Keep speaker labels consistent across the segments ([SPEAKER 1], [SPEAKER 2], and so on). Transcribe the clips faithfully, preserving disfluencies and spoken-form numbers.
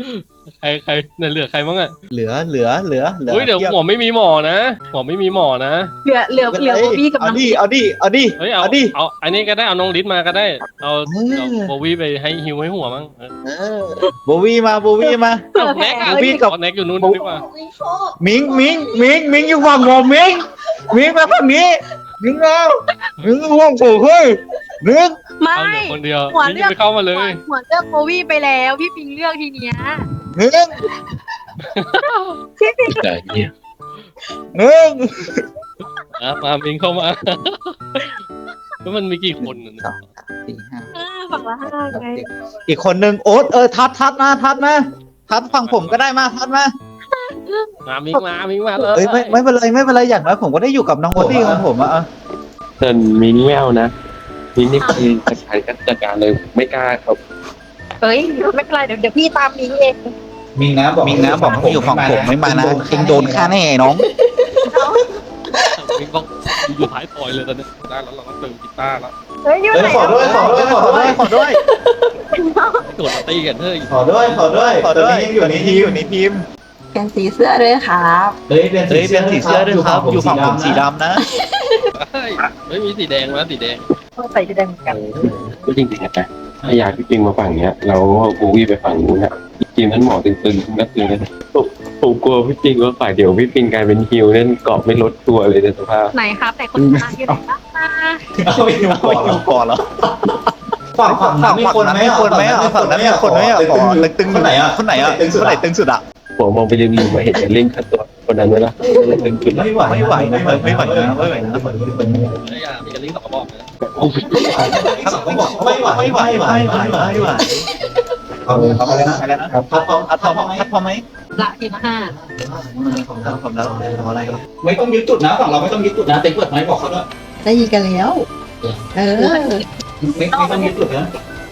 [SPEAKER 1] ใครใครเนี่ยเหลือใครบ้างอ่ะ
[SPEAKER 2] เหลือเหลือเหลือเหลือ
[SPEAKER 1] เฮ้ยเดี๋ยว
[SPEAKER 2] ทีบ
[SPEAKER 1] หมอไม่มีหมอนะหมอไม่มีหมอนะ
[SPEAKER 3] เหลือเหลือเหลือโบวี่กับ
[SPEAKER 2] เอา
[SPEAKER 3] น้อง
[SPEAKER 2] ดิเอาดิเอาดิ
[SPEAKER 1] เฮ้ยเอา
[SPEAKER 2] เอาดิ
[SPEAKER 1] เอาอันนี้ก็ได้เอาน้องลิศมาก็ได้เอา
[SPEAKER 2] เออ
[SPEAKER 1] เอาโบวี่ไปให้ฮิวให้หัวมั้งเออ
[SPEAKER 2] เออโบวี่มาโบวี่มา
[SPEAKER 3] เผื่อ
[SPEAKER 1] เอา
[SPEAKER 3] แพ้
[SPEAKER 1] แน็กอะ
[SPEAKER 2] โบวี่กับ
[SPEAKER 1] เอาแน็กอยู่นู้นดีกว่า
[SPEAKER 2] มิงมิงมิงมิงอยู่ฝั่งผมมิงมิงมาฝั่งนี้มิงเอามิงห่วงกูเฮ้ยมิง
[SPEAKER 3] ไม่
[SPEAKER 1] เอาเหลือคนเดียว
[SPEAKER 3] หัว
[SPEAKER 1] นี่
[SPEAKER 3] เลือก
[SPEAKER 1] ไปเข้ามาเลย
[SPEAKER 3] หัวเลือกโบวี่ไปแล้วพี่ปิงเลือกทีเนี้ย
[SPEAKER 2] มิง
[SPEAKER 3] พี่ปิง
[SPEAKER 4] แต่เนี่ย
[SPEAKER 2] มิง
[SPEAKER 1] อ่ะมามิงเข้ามาแล้วมันมีกี่คนน่ะเนี่ย
[SPEAKER 2] สี่ห้า
[SPEAKER 3] เออฝั่งละห้าไง
[SPEAKER 2] อีกคนนึงโอ๊ตเออทัดทัดมาทัดมาทัดฝั่งผมก็ได้มาทัดมา
[SPEAKER 1] มามิงมามิงมาเลย
[SPEAKER 2] เอ้ยไม่ไม่เป็นไรไม่เป็นไรอย่างน้อยผมก็ได้อยู่กับน้องโบวี่ของผมอะ
[SPEAKER 4] ส่วนมิ้งแมวนะมิ้งนี่คือจัดการก็จัดการเลยไม่กล้าครับ
[SPEAKER 3] เฮ้ยไม่เป็นไรเดี๋ยวเดี๋ยวพี่ตามมิงเอง
[SPEAKER 2] มิงนะบอกมิงนะบอกให้อยู่ฝั่งผมไม่มานะเองโดนฆ่าแน่น้อง
[SPEAKER 1] มิงต้องอยู่ท้ายซอยเลยตอนนี้ได้แล้วเราต้องเติมกีตาร์แล้ว
[SPEAKER 3] เฮ้ยอยู่ไหน
[SPEAKER 2] ขอด้วยขอด้วยขอด้วยขอด้วย
[SPEAKER 1] โดดมาตีกันเฮ้ย
[SPEAKER 2] ขอด้วยขอด้วยขอด้วยยังอยู่ในทีมอยู่ในทีม
[SPEAKER 5] เปลี่ยนสีเสื้อด้วยครับ
[SPEAKER 2] เฮ้ยเป็นเฮ้ยเป็นสีเสื้อด้วยครับอยู่ฝั่งผมสีดำนะ
[SPEAKER 1] เฮ้ยไม่มีสีแดงแล้วสีแดง
[SPEAKER 3] ใส่จะแดงเหมือนกัน
[SPEAKER 4] ก็จริงๆนะถ้าอยากพี่ปิงมาฝั่งเนี้ยเราโบวี่ไปฝั่งนู้นอะจริงๆนั้นหมอตึงๆนักเลยนะผมผมกลัวพี่ปิงว่าฝ่ายเดี๋ยวพี่ปิงกลายเป็นฮิวนั่นเกาะไม่ลดตัวเลยในสภาพ
[SPEAKER 3] ไหนครับแต่คนชนะอยู่ไหนบ้างนะ
[SPEAKER 2] เอาไปอยู่ก่อนแล้วฝั่งฝั่งนั้นมีคนไหมคนไหมอ่ะฝั่งนั้นมีคนไหมอ่ะขอตึงคนไหนอ่ะคนไหนอ่ะคนไหนตึงสุดอ่ะ
[SPEAKER 4] ผมมองไปริมๆมาเห็นเล่นขั้นตัวคนนั้นไหมล่ะตึงจุดละ
[SPEAKER 2] ไม่ไหวไม่ไหวไม่ไหวไม่ไหวนะไม่ไหวนะ
[SPEAKER 1] เฮ้ยอ่ะมีกระลิงสองกระบอกนะ
[SPEAKER 2] ไม่ไหวไม่ไหวไม่ไหวไม่ไหวไม่ไหวเอาเอาอะไรนะอะไรนะทัดพอทัดพอไหมทัดพอไหม
[SPEAKER 3] ละทีละห้า
[SPEAKER 2] ผมแล้วผมแล้วเอาอะไรไม่ต้องยึดจุดนะฝั่งเราไม่ต้องยึดจุดนะเต็งเปิดไม้บอกเขาด้วย
[SPEAKER 5] ได้ยินกันแล้ว เออ
[SPEAKER 2] ไม่ไม่ต้องยึดจุดนะ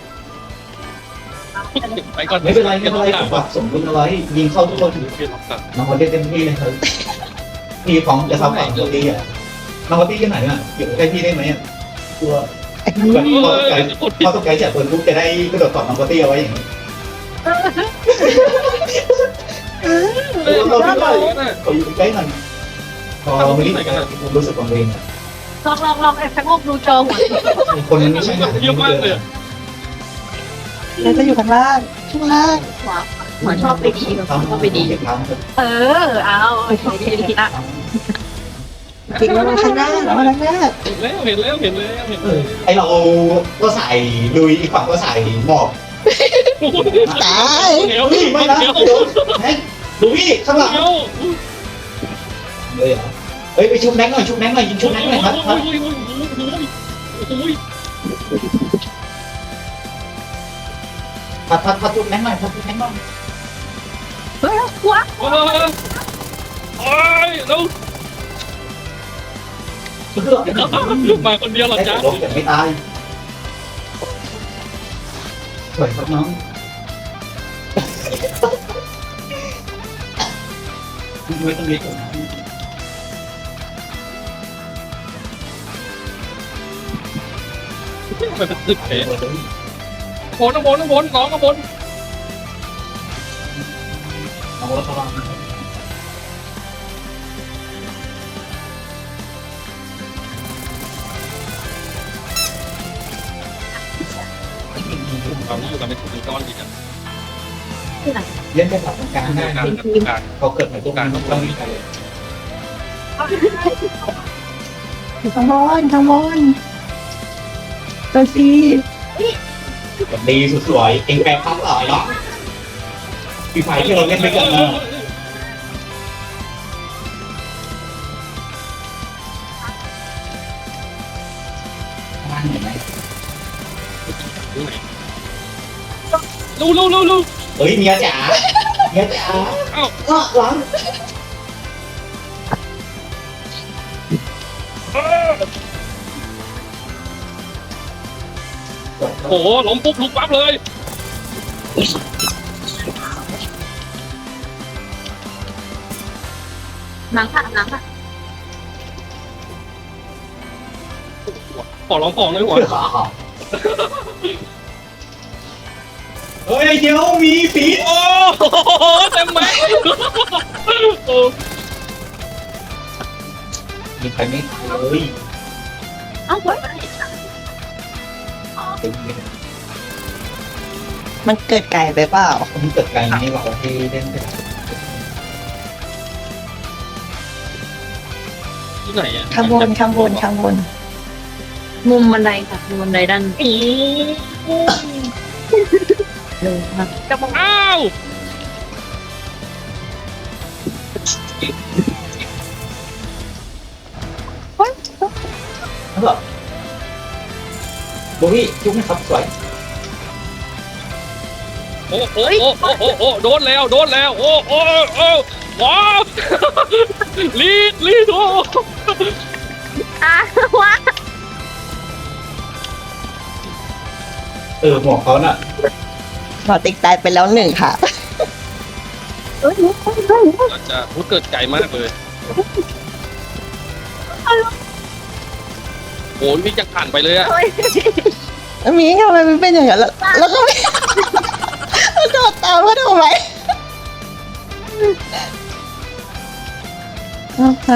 [SPEAKER 1] ไปก่อน
[SPEAKER 2] ไม่เป็นไรไม่เป็นไรผมแบบสมดุลเอาไว้ยิงเข้าทุกคน
[SPEAKER 1] เปลี่ยนหลักฐาน
[SPEAKER 2] น้องวันเล่นเต็มที่เลยครับพี่ของจะทำฝั่งตัวดีอ่ะน้องวันที่ที่ไหนอ่ะอยู่ใกล้พี่ได้ไหมอ่ะตัวแบบพอต้องใจจัดตัวลูกจะได้กระโดดกอดน้องวันที่เอาไว้อย่างนี้
[SPEAKER 1] เฮ้ยเราไม่ได้นะ
[SPEAKER 2] เขาอยู่ใกล้หน่อยพอไม่รีบรู้สึกกังวล
[SPEAKER 3] ลองลองลองไอ้แฟงกดูจอหัว
[SPEAKER 2] คนนั้นไม่ใช่
[SPEAKER 1] เยอะมากเลย
[SPEAKER 5] แล้วจะอยู่ข้างล่างข้างล่าง
[SPEAKER 3] หัวชอบไปดีชอบไปดี เออเอาดีดีละ
[SPEAKER 5] ปิงมาข้างหน้ามาข้างหน้า
[SPEAKER 1] เห็นแล้วเห็นแล้วเห็นแล้วเห็น
[SPEAKER 2] เอ
[SPEAKER 1] แล้ว
[SPEAKER 2] อไอเราก็ใส่ลุยอีกฝั่งก็ใส่หมอบ
[SPEAKER 5] ตาย
[SPEAKER 1] เดี๋ยว
[SPEAKER 2] พี่ไม่นะ
[SPEAKER 1] เดี๋ยว
[SPEAKER 2] เดี๋ยวแน็กดูพี่ข้างหลัง
[SPEAKER 1] เดี๋ยว
[SPEAKER 2] เลยเหรอเฮ้ยไปชุบแน็กหน่อยชุบแน็กหน่อยยิงชุบแน็กหน่อยครับครับพัดพัดพัดชุบแน็กหน่อยพัดชุบแน็กหน่อย
[SPEAKER 3] เฮ้ยหัว
[SPEAKER 1] โอ้ยเรามาคนเดียวหรอ
[SPEAKER 2] ได้
[SPEAKER 1] จ๊ะ
[SPEAKER 2] แต่ลบแต่ไม่ตายสวยครับน้องไม่ต้องเลี้ยง
[SPEAKER 1] มันเป็นตึกเอ๋บนบนบนน้องก็บน
[SPEAKER 2] เอาละครับ
[SPEAKER 1] เราอยู่กันเป็นกลุ่มก้อนดีกัน
[SPEAKER 2] เล่นได้แบบกลางได้
[SPEAKER 1] การการ
[SPEAKER 2] เขาเกิดในตัวการต้องมีใครเลย
[SPEAKER 5] อยู่ข้างบนข้างบนตัวซี
[SPEAKER 2] ดีสุดสวยเองแปลงพักหล่อยเนาะปีไฟที่เราเล่นไปกันนะบ้านเห็นไหม
[SPEAKER 1] ลูลูลูลู
[SPEAKER 2] เฮ้ยเมียจ๋าเมียจ๋าเอ้าหลัง
[SPEAKER 1] โอ้โหล้มปุ๊บลุกปั๊บเลย
[SPEAKER 3] หนังค่ะหนังค่ะ
[SPEAKER 1] ขอร้องของเลยหัว
[SPEAKER 2] เฮ้ยเดี๋ยวมีสี
[SPEAKER 1] โอ้ต็มไหมโอ้
[SPEAKER 2] มีใครไม่เลย
[SPEAKER 3] เอ้าไม่ได้
[SPEAKER 2] เต็มเลย
[SPEAKER 5] มันเกิดไก่ไปเปล่า
[SPEAKER 2] ผมเกิดไกลไหมบอกว่าที่เล่นไป
[SPEAKER 1] ที่ไหนอ่ะ
[SPEAKER 5] ข้างบนข้างบนข้างบน
[SPEAKER 3] มุมบันไดค่ะมุมบันไดด้านเลยค่ะกระบอก
[SPEAKER 1] อ้าว
[SPEAKER 2] แล้วแบบโบวี่ยุกนะครับสวย
[SPEAKER 1] โอ้โอ้โอ้โอ้โอ้โอ้โดนแล้วโดนแล้วโอ้โอ้โอ้ว้าวลีดลีดโอ้
[SPEAKER 3] อ่ะวะ
[SPEAKER 2] เออหมวกเขาน่ะ
[SPEAKER 5] หมอติ๊กตายไปแล้วหนึ่งค่ะ
[SPEAKER 3] เอ้ย
[SPEAKER 1] น่าจะพูดเกิดไกลมากเลยโอ้ยพี่จะผ่านไปเลยอะ
[SPEAKER 3] เฮ้ย
[SPEAKER 5] มีทำไมมันเป็นอย่างนั้นแล้วแล้วก็ไม่แล้วโดดตามมาทำไมเอาไป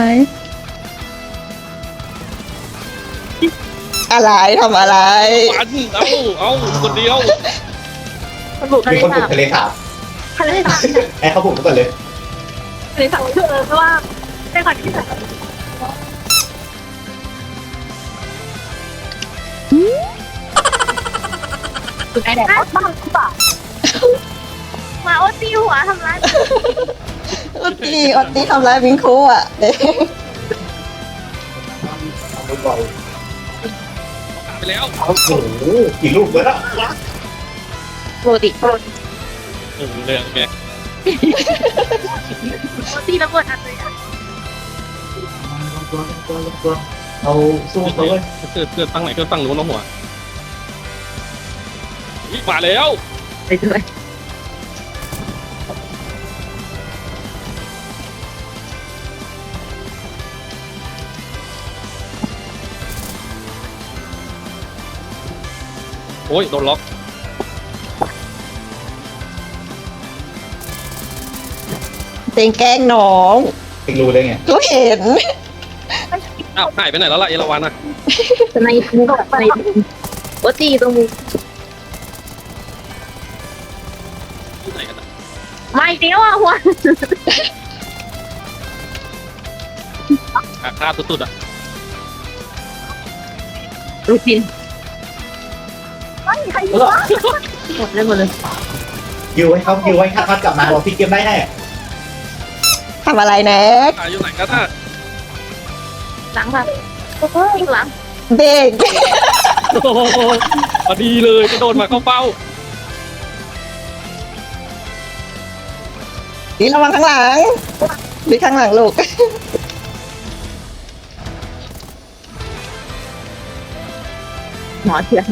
[SPEAKER 5] อะไรทำอะไร
[SPEAKER 1] ปันเอาเอาคนเดียว
[SPEAKER 3] มันบุกทะ
[SPEAKER 2] มี
[SPEAKER 3] เล
[SPEAKER 2] คนบุ
[SPEAKER 3] สาก บ
[SPEAKER 2] ทะเลสาบ
[SPEAKER 3] ทะเลสาบ
[SPEAKER 2] ไอ้เขาบุกก่อนเลย
[SPEAKER 3] ทะเลสาบคือเออเพราะว่าได้ก่อนที่จะสุดท้ายแล้วบ้าหรือเปล่ามาโอตีหัวทำร้าย
[SPEAKER 5] อุดตีอุดตีทำร้ายมิงคูอ่ะเอ๊ะ
[SPEAKER 2] เอาลูกบอล
[SPEAKER 1] ไปแล้ว
[SPEAKER 2] โอ้โหกี่ลูกแล้วอ่ะ
[SPEAKER 3] ปกติโปรตี
[SPEAKER 1] โอ้เรื่องแก
[SPEAKER 3] โปรตีระเบิดอัดเลยอ่ะ
[SPEAKER 2] ตัวตัวตัวเราสู้เขาเลย
[SPEAKER 1] เกิดเกิดตั้งไหนเกิดตั้งนู้นแล้วหัวมาแล้ว
[SPEAKER 3] ไปด้วย
[SPEAKER 1] โอ้ยโดนล็อก
[SPEAKER 5] เต็งแกล้งน้อง
[SPEAKER 2] ติงรู้ได้ไง
[SPEAKER 5] ก็เห็น
[SPEAKER 1] อ้าวหายไปไหนแล้วล่ะเอราวันอะ
[SPEAKER 3] ในมุมในโปรตีตรงมุม
[SPEAKER 1] ที่ไหนกันอะ
[SPEAKER 3] ไม่เดียวอ่ะหัว
[SPEAKER 1] อาฆาตสุดๆอะ
[SPEAKER 3] รูทีนไม่ใคร
[SPEAKER 2] แล้วก็
[SPEAKER 3] หมดเลยหมดเลย
[SPEAKER 2] ยิวให้เขายิวให้ถ้าเขากลับมาเราพลิกเกมได้แน่
[SPEAKER 5] ทำอะไรแน็ก
[SPEAKER 1] อ่ะอยู่ไหนกันอะ
[SPEAKER 3] หลังค่ะอีกหลัง
[SPEAKER 5] เด็ก
[SPEAKER 1] โอ้โหพอดีเลยจะโดนมาเข้าเป้า
[SPEAKER 5] ดีระวังข้างหลังดีข้างหลังลูก
[SPEAKER 3] หมอเถื่อน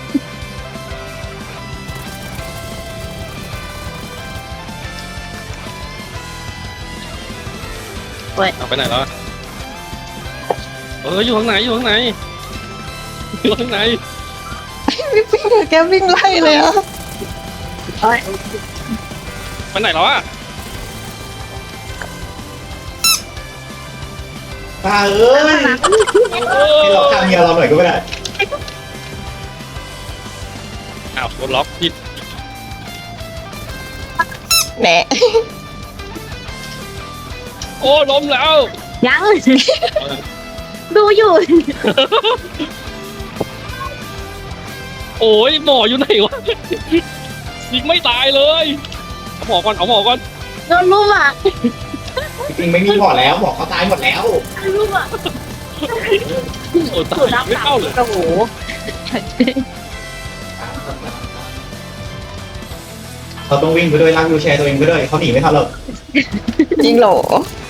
[SPEAKER 1] เอาไปไหนแล้วอะเอออยู่ข้างไหนอยู่ข้างไหนอยู่ข้างไหน
[SPEAKER 5] พี่ปิ้งแกวิ่งไล่เลยอ่ะ
[SPEAKER 3] เอ้ย
[SPEAKER 1] ไปไหนแล้วอะ
[SPEAKER 2] ป้าเอ้ย
[SPEAKER 3] หลัง
[SPEAKER 1] โอ้
[SPEAKER 2] ให้เราฆ่าเมียเราหน่อยก็ไม่ได้
[SPEAKER 1] อ้าวโดนล็อกผิด
[SPEAKER 5] แหนะ
[SPEAKER 1] โอ้ล้มแล้ว
[SPEAKER 3] ยังดูอยู่
[SPEAKER 1] โอ้ยหมออยู่ไหนวะยิงไม่ตายเลยเอาหมอก่อนเอาหมอก่อน
[SPEAKER 3] โดนรูปอ่ะ
[SPEAKER 2] จริงๆไม่มีหมอแล้วหมอเขาตายหมดแล้ว
[SPEAKER 3] รูปอ่ะ
[SPEAKER 1] โอ้ตา
[SPEAKER 3] สูด
[SPEAKER 1] ย
[SPEAKER 3] น้ำ
[SPEAKER 1] ไม่
[SPEAKER 3] สา
[SPEAKER 1] เข้าเลย
[SPEAKER 3] โอ้โห
[SPEAKER 2] เขาต้องวิ่งไปด้วยลากวิวแชร์ตัวเองไปด้วยเขาหนีไม่ทันหรอก
[SPEAKER 5] จริงเหรอ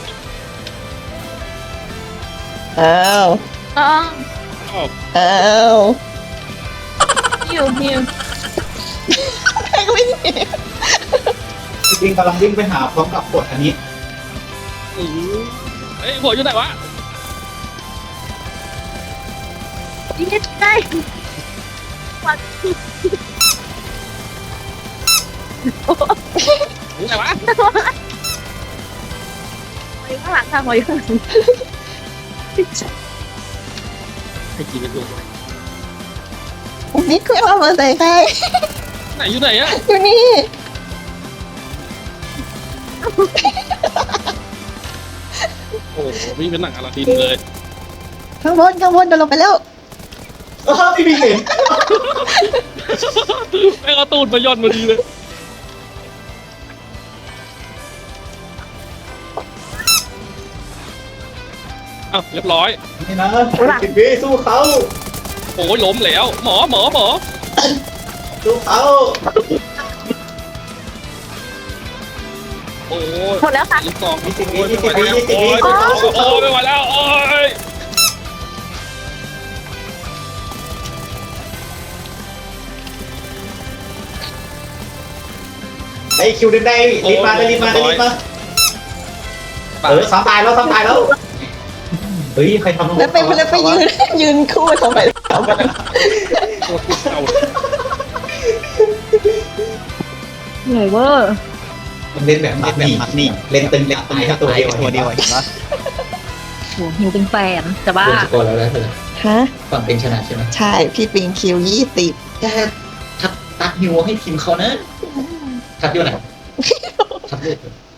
[SPEAKER 5] อ้าว
[SPEAKER 3] อ๋อ
[SPEAKER 5] อ้าว
[SPEAKER 3] หิวหิว
[SPEAKER 5] แม่ก็วิ่งหนี
[SPEAKER 2] จริงๆกำลังวิ่งไปหาพร้อมกับกดอันนี้
[SPEAKER 1] อื้อเอ้ยหัวอยู่ไหนวะ
[SPEAKER 3] นี่ได้วัด
[SPEAKER 1] อยู่ไหนวะ
[SPEAKER 3] ไปข้างหลังค่ะพอยข้างหลัง
[SPEAKER 1] ให้กินกันดู
[SPEAKER 5] บิ๊กไม่เอามาใส่ใคร
[SPEAKER 1] ไหนอยู่ไหนอะ
[SPEAKER 5] อยู่นี่
[SPEAKER 1] โอ้โหวิ่งเป็นหนังอลาดินเลย
[SPEAKER 5] ข้างบนข้างบนเดินลงไปแล้ว
[SPEAKER 2] อ้าวพี่พี่เห็น
[SPEAKER 1] แม่งเอาตูดมาย่อนมาดีเลยอ้าวเรียบร้อย
[SPEAKER 2] นี่นะสิบวิสู้เขา
[SPEAKER 1] โอ้ยล้มแล้ว หมอหมอหมอ
[SPEAKER 2] สู้เขา
[SPEAKER 1] โอ้ย
[SPEAKER 3] หมดแล้วค่ะ
[SPEAKER 1] ลูกซอง
[SPEAKER 2] ยี่สิบวิ
[SPEAKER 1] โอ้ย
[SPEAKER 2] ยี่
[SPEAKER 1] ไม่
[SPEAKER 2] สิบ
[SPEAKER 1] ไหว
[SPEAKER 2] วิ
[SPEAKER 1] แล้ว
[SPEAKER 2] ยี่สิบ
[SPEAKER 1] โอ้
[SPEAKER 2] วิ
[SPEAKER 1] ยโอ้ยไม่ไหวแล้วโอ้ย
[SPEAKER 2] ไอ้คิวเดินได้รีบมาได้รีบมาได้รีบมาเออซ้ำตายแล้วซ้ำตายแล้วเฮ้ยใครทำ
[SPEAKER 5] แล้วไปแล้วไปยืนยืนคู่ทำไมทำไม
[SPEAKER 1] โคตรติดเก่า
[SPEAKER 3] เหนื่อยเวอร์
[SPEAKER 2] มันเล่นแบบมัดนี่นี่เล่นตึงเล่นตายแค่ตัวเดียวตัวเดียวเห็นปะ
[SPEAKER 3] โหหิวเป็นแฟนแต่ว่า
[SPEAKER 2] โดนสกอร์แล้วนะเธอ
[SPEAKER 5] ฮะ
[SPEAKER 2] ฝั่งเป็นชนะใช่ไหม
[SPEAKER 5] ใช่ พี่ปิงคิวยี่สิบ
[SPEAKER 2] แค่ทัดตัดฮิวให้ทีมเขานะทัดอยู่ไหนทัดด้วย